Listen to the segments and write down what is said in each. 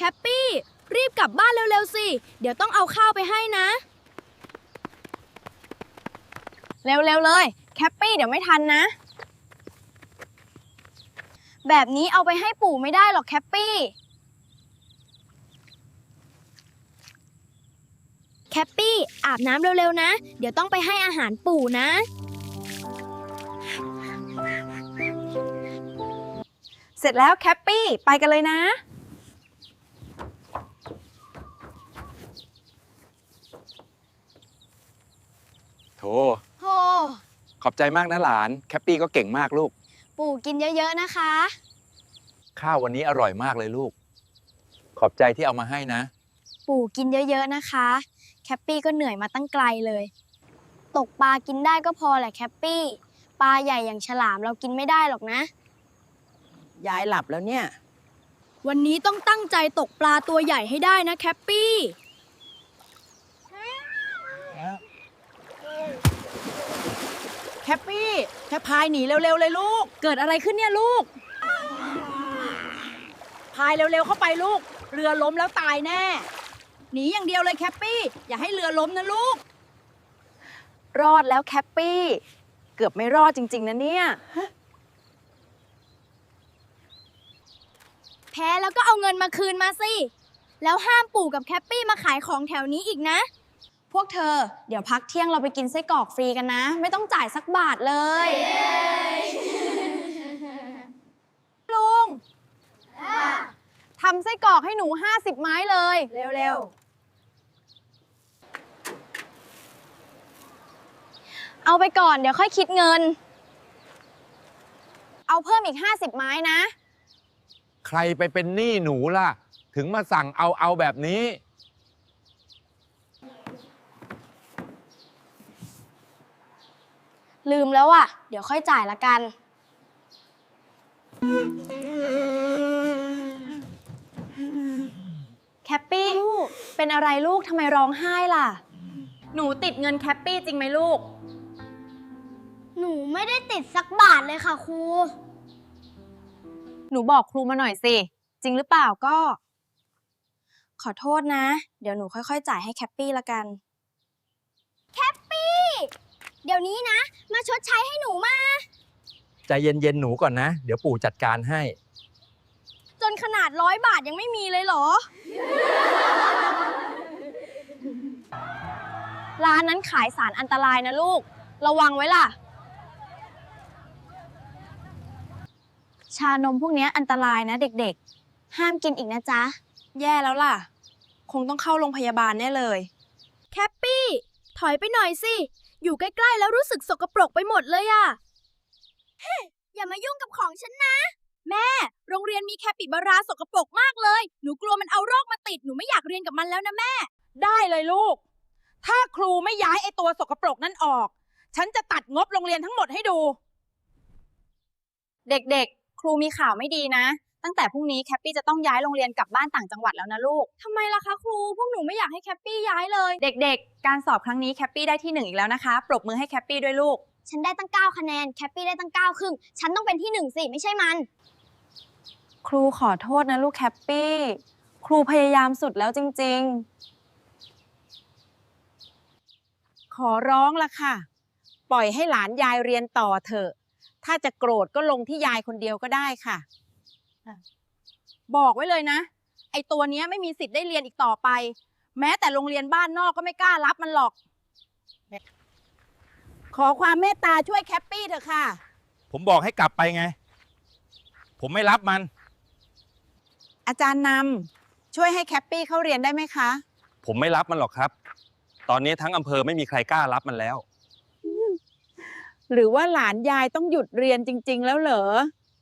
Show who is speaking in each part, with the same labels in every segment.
Speaker 1: คปปี้รีบกลับบ้านเร็วๆสิเดี๋ยวต้องเอาข้าวไปให้นะเร็วๆเลยแคปปี้เดี๋ยวไม่ทันนะแบบนี้เอาไปให้ปู่ไม่ได้หรอกแคปปี้แคปปี้อาบน้ำเร็วๆนะเดี๋ยวต้องไปให้อาหารปู่นะ
Speaker 2: เสร็จแล้วแคปปี้ไปกันเลยนะ
Speaker 3: โถ
Speaker 1: โห
Speaker 3: ขอบใจมากนะหลานแคปปี้ก็เก่งมากลูก
Speaker 1: ปู่กินเยอะๆนะคะ
Speaker 3: ข้าววันนี้อร่อยมากเลยลูกขอบใจที่เอามาให้นะ
Speaker 1: ปู่กินเยอะๆนะคะแคปปี้ก็เหนื่อยมาตั้งไกลเลยตกปลากินได้ก็พอแหละแคปปี้ปลาใหญ่อย่างฉลามเรากินไม่ได้หรอกนะ
Speaker 2: ยายหลับแล้วเนี่ย
Speaker 1: วันนี้ต้องตั้งใจตกปลาตัวใหญ่ให้ได้นะแคปปี้
Speaker 2: แคปปี้แค่พายหนีเร็วๆเลยลูก
Speaker 1: เกิดอะไรขึ้นเนี่ยลูก
Speaker 2: พายเร็วๆเข้าไปลูกเรือล้มแล้วตายแน่หนีอย่างเดียวเลยแคปปี้อย่าให้เรือล้มนะลูกรอดแล้วแคปปี้เกือบไม่รอดจริงๆนะเนี่ย
Speaker 1: แพ้แล้วก็เอาเงินมาคืนมาสิแล้วห้ามปู่กับแคปปี้มาขายของแถวนี้อีกนะพวกเธอเดี๋ยวพักเที่ยงเราไปกินไส้กรอกฟรีกันนะไม่ต้องจ่ายสักบาทเลยลุงทำไส้กรอกให้หนู50 ไม้เลย
Speaker 2: เร็ว
Speaker 1: เอาไปก่อนเดี๋ยวค่อยคิดเงินเอาเพิ่มอีก50 ไม้นะ
Speaker 3: ใครไปเป็นหนี้หนูล่ะถึงมาสั่งเอาแบบนี้
Speaker 1: ลืมแล้วอ่ะเดี๋ยวค่อยจ่ายละกัน
Speaker 2: แคปปี้เป็นอะไรลูกทำไมร้องไห้ล่ะหนูติดเงินแคปปี้จริงไหมลูก
Speaker 1: หนูไม่ได้ติดสักบาทเลยค่ะครู
Speaker 2: หนูบอกครูมาหน่อยสิจริงหรือเปล่าก็
Speaker 1: ขอโทษนะเดี๋ยวหนูค่อยๆจ่ายให้แคปปี้ละกันแคปปี้เดี๋ยวนี้นะมาชดใช้ให้หนูมา
Speaker 3: ใจเย็นๆหนูก่อนนะเดี๋ยวปู่จัดการให้
Speaker 1: จนขนาด100 บาทยังไม่มีเลยเหรอร้านนั้นขายสารอันตรายนะลูกระวังไว้ล่ะชานมพวกนี้อันตรายนะเด็กๆห้ามกินอีกนะจ๊ะ
Speaker 2: แย่แล้วล่ะคงต้องเข้าโรงพยาบาลแน่เลย
Speaker 1: แคปปี้ถอยไปหน่อยสิอยู่ใกล้ๆแล้วรู้สึกสกปรกไปหมดเลยอะอย่ามายุ่งกับของฉันนะแม่โรงเรียนมีแคปิบาราสกปรกมากเลยหนูกลัวมันเอาโรคมาติดหนูไม่อยากเรียนกับมันแล้วนะแม่
Speaker 2: ได้เลยลูกถ้าครูไม่ย้ายไอ้ตัวสกปรกนั่นออกฉันจะตัดงบโรงเรียนทั้งหมดให้ดูเด็กๆครูมีข่าวไม่ดีนะตั้งแต่พรุ่งนี้แคปปี้จะต้องย้ายโรงเรียนกลับบ้านต่างจังหวัดแล้วนะลูก
Speaker 1: ทำไมล่ะคะครูพวกหนูไม่อยากให้แคปปี้ย้ายเลย
Speaker 2: เด็กๆการสอบครั้งนี้แคปปี้ได้ที่1อีกแล้วนะคะปรบมือให้แคปปี้ด้วยลูก
Speaker 1: ฉันได้ตั้ง9 คะแนนแคปปี้ได้ตั้ง9 ครึ่งฉันต้องเป็นที่1สิไม่ใช่มัน
Speaker 2: ครูขอโทษนะลูกแคปปี้ครูพยายามสุดแล้วจริงๆขอร้องละค่ะปล่อยให้หลานยายเรียนต่อเถอะถ้าจะโกรธก็ลงที่ยายคนเดียวก็ได้ค่ะบอกไว้เลยนะไอตัวเนี้ยไม่มีสิทธิ์ได้เรียนอีกต่อไปแม้แต่โรงเรียนบ้านนอกก็ไม่กล้ารับมันหรอกขอความเมตตาช่วยแคปปี้เถอะค่ะ
Speaker 3: ผมบอกให้กลับไปไงผมไม่รับมัน
Speaker 2: อาจารย์นำช่วยให้แคปปี้เข้าเรียนได้ไหมคะ
Speaker 3: ผมไม่รับมันหรอกครับตอนนี้ทั้งอำเภอไม่มีใครกล้ารับมันแล้ว
Speaker 2: หรือว่าหลานยายต้องหยุดเรียนจริงๆแล้วเหรอ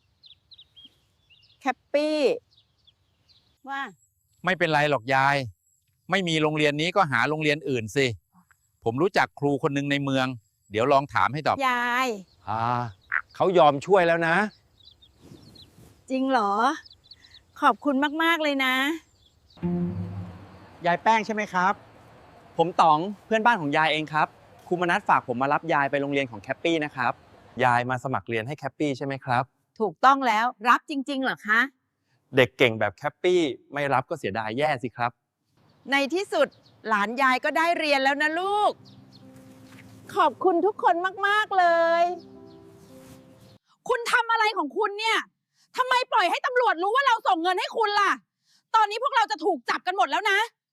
Speaker 2: แคปปี้ว่า
Speaker 3: ไม่เป็นไรหรอกยายไม่มีโรงเรียนนี้ก็หาโรงเรียนอื่นสิผมรู้จักครูคนหนึ่งในเมืองเดี๋ยวลองถามให้ตอบ
Speaker 2: ยาย
Speaker 3: เขายอมช่วยแล้วนะ
Speaker 2: จริงเหรอขอบคุณมากๆเลยนะ
Speaker 4: ยายแป้งใช่ไหมครับผมต๋องเพื่อนบ้านของยายเองครับครูมนัสฝากผมมารับยายไปโรงเรียนของแคปปี้นะครับ
Speaker 3: ยายมาสมัครเรียนให้แคปปี้ใช่ไหมครับ
Speaker 2: ถูกต้องแล้วรับจริงๆเหรอคะ
Speaker 4: เด็กเก่งแบบแคปปี้ไม่รับก็เสียดายแย่สิครับ
Speaker 2: ในที่สุดหลานยายก็ได้เรียนแล้วนะลูก ขอบคุณทุกคนมาก ๆ เลย คุณทำอะไรของคุณเนี่ยทำไมปล่อยให้ตำรวจรู้ว่าเราส่งเงินให้คุณล่ะ ตอนนี้พวกเราจะถูกจับกันหมดแล้วนะ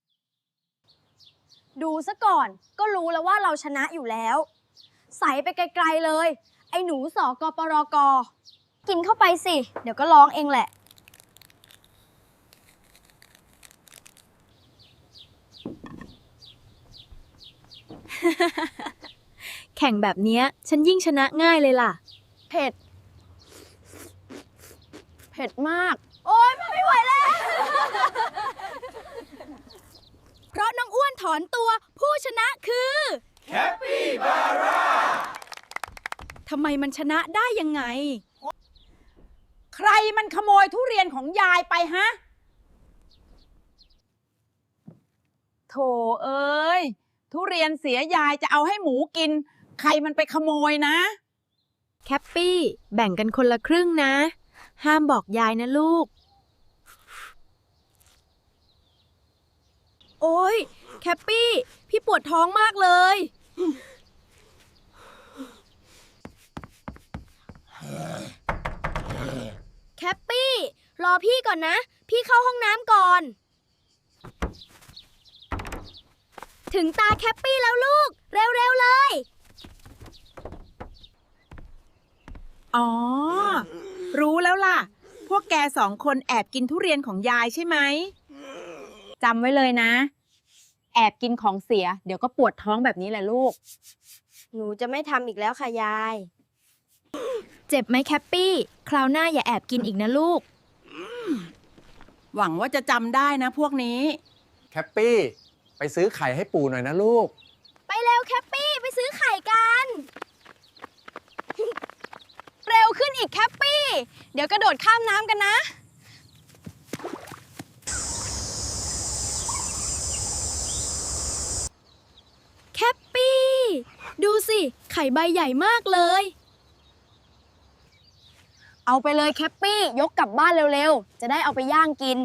Speaker 1: ดูซะก่อนก็รู้แล้วว่าเราชนะอยู่แล้ว ใส่ไปไกลๆเลย ไอ้หนูสกปรกกินเข้าไปสิ เดี๋ยวก็ร้องเองแหละ แข่งแบบเนี้ยฉันยิ่งชนะง่ายเลยล่ะ
Speaker 2: เผ็ด เผ็ดมาก
Speaker 1: โอ๊ยไม่ไหวแล้ว เพราะน้องอ้วนถอนตัวผู้ชนะคือ
Speaker 2: ทำไมมันชนะได้ยังไง ใครมันขโมยทุเรียนของยายไปฮะ โถเอ้ย ทุเรียนเสียยายจะเอาให้หมูกิน ใครมันไปขโมยนะ
Speaker 1: แคปปี้แบ่งกันคนละครึ่งนะ ห้ามบอกยายนะลูก โอ๊ย แคปปี้ พี่ปวดท้องมากเลย แคปปี้ รอพี่ก่อนนะ พี่เข้าห้องน้ำก่อน ถึงตาแคปปี้แล้วลูก เร็วๆเลย
Speaker 2: อ๋อ รู้แล้วล่ะ พวกแกสองคนแอบกินทุเรียนของยายใช่ไหม จำไว้เลยนะ แอบกินของเสีย เดี๋ยวก็ปวดท้องแบบนี้แหละลูก
Speaker 1: หนูจะไม่ทำอีกแล้วค่ะยาย เจ็บไหมแคปปี้ คราวหน้าอย่าแอบกินอีกนะลูก
Speaker 2: หวังว่าจะจำได้นะพวกนี้
Speaker 4: แคปปี้ ไปซื้อไข่ให้ปู่หน่อยนะลูก
Speaker 1: ไปเร็วแคปปี้ ไปซื้อไข่กัน เร็วขึ้นอีกแคปปี้ เดี๋ยวกระโดดข้ามน้ำกันนะ แคปปี้ ดูสิ ไข่ใบใหญ่มากเลย เอาไปเลยแคปปี้ ยกกลับบ้านเร็วๆ จะได้เอาไปย่างกิน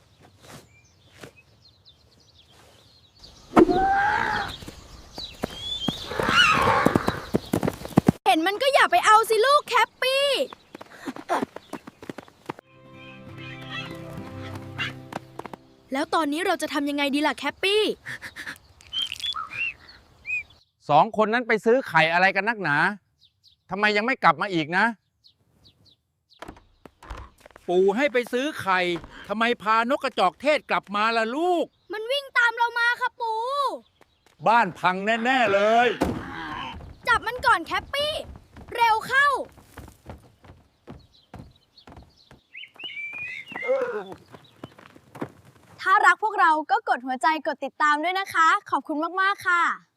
Speaker 1: เห็นมันก็อย่าไปเอาสิลูกแคปปี้ แล้วตอนนี้เราจะทำยังไงดีล่ะแคปปี้
Speaker 3: สองคนนั้นไปซื้อไข่อะไรกันนักหนาทำไมยังไม่กลับมาอีกนะ ปู่ให้ไปซื้อไข่ทำไมพานกกระจอกเทศกลับมาล่ะลูก
Speaker 1: มันวิ่งตามเรามาค่ะปู
Speaker 3: บ้านพังแน่ ๆ เลย
Speaker 1: จับมันก่อนแคปปี้ เร็วเข้า ถ้ารักพวกเราก็กดหัวใจกดติดตามด้วยนะคะ ขอบคุณมาก ๆ ค่ะ